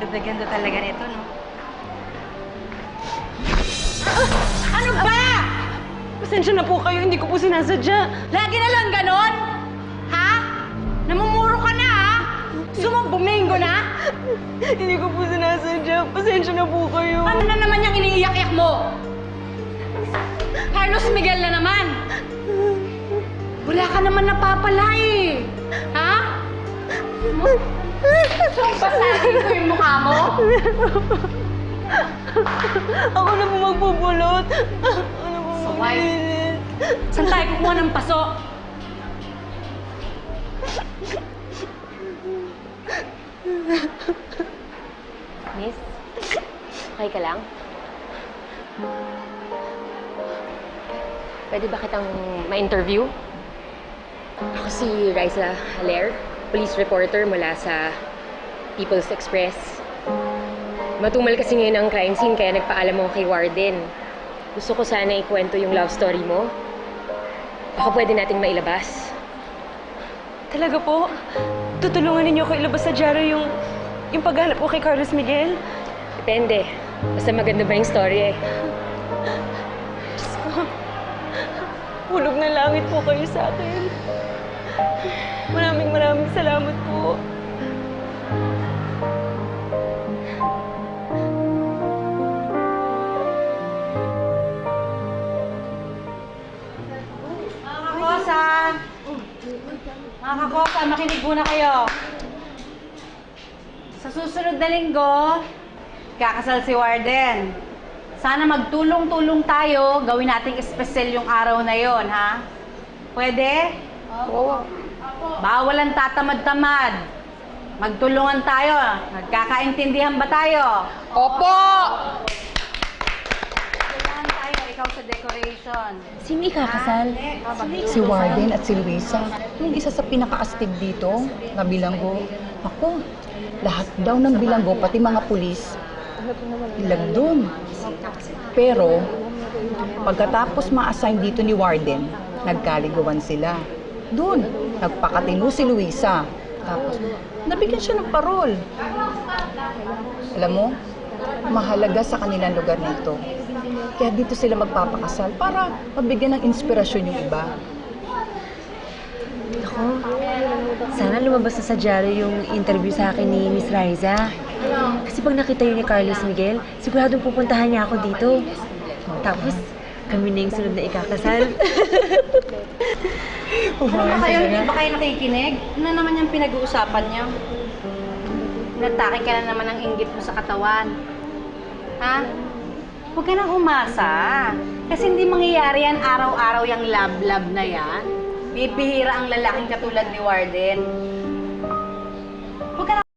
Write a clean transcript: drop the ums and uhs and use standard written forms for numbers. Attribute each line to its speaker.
Speaker 1: Ganda-ganda talaga nito, no?
Speaker 2: Ano ba?
Speaker 3: Pasensya na po kayo, hindi ko po sinasadya.
Speaker 2: Lagi na lang ganon? Ha? Namumuro ka na, ha? Gusto mo bumingo na?
Speaker 3: Hindi ko po sinasadya. Pasensya na po kayo.
Speaker 2: Ano na naman yung iniiyak-iyak mo? Carlos Miguel na naman. Wala ka naman napapala eh. Ha? So, basahin ko yung mukha mo?
Speaker 3: Ako na po magpupulot. Ako na po
Speaker 2: Saway.
Speaker 3: maglinis.
Speaker 2: Saan tayo kukuha ng paso?
Speaker 4: Miss, okay ka lang? Pwede ba kitang ma-interview? Ako si Raisa Haler, police reporter mula sa People's Express. Matumal kasi ngayon ang crime scene kaya nagpaalam ako kay Warden. Gusto ko sana ikwento yung love story mo. Baka pwede nating mailabas.
Speaker 3: Talaga po? Tutulungan ninyo ko ilabas sa dyaryo yung paghanap ko kay Carlos Miguel?
Speaker 4: Depende. Basta maganda ba yung story eh.
Speaker 3: Diyos ko. Hulog na langit po kayo sa akin. Maraming salamat po.
Speaker 2: Mga kakosa, makinig muna kayo. Sa susunod na linggo, kakasal si Warden. Sana magtulong-tulong tayo, gawin nating espesyal yung araw na yon, ha? Pwede?
Speaker 4: Oo.
Speaker 2: Bawal ang tatamad-tamad. Magtulungan tayo. Nagkakaintindihan ba tayo?
Speaker 4: Opo!
Speaker 2: Tulungan tayo, ikaw sa decoration.
Speaker 4: Sino ikakasal?
Speaker 5: Si Warden at si Luisa, yung isa sa pinakaastig dito, na bilanggo. Ako, lahat daw ng bilanggo, pati mga pulis, ilag doon. Pero, pagkatapos ma-assign dito ni Warden, nagkaligawan sila. Doon, nagpakatino si Luisa. Tapos, nabigyan siya ng parol. Alam mo, mahalaga sa kanilang lugar na ito. Kaya dito sila magpapakasal para mabigyan ng inspirasyon yung iba.
Speaker 6: Ako, sana lumabas na sa dyaryo yung interview sa akin ni Miss Raisa. Kasi pag nakita yun ni Carlos Miguel, siguradong pupuntahan niya ako dito. Tapos, kami na yung sunod na ikakasal.
Speaker 2: Hindi ba kayo nakikinig? Ano naman yung pinag-uusapan niyo? Natake ka na naman ng inggit mo sa katawan. Ha? Huwag ka nang umasa. Kasi hindi mangyayari yan araw-araw yung love-love na yan. Bibihira ang lalaking katulad ni Warden.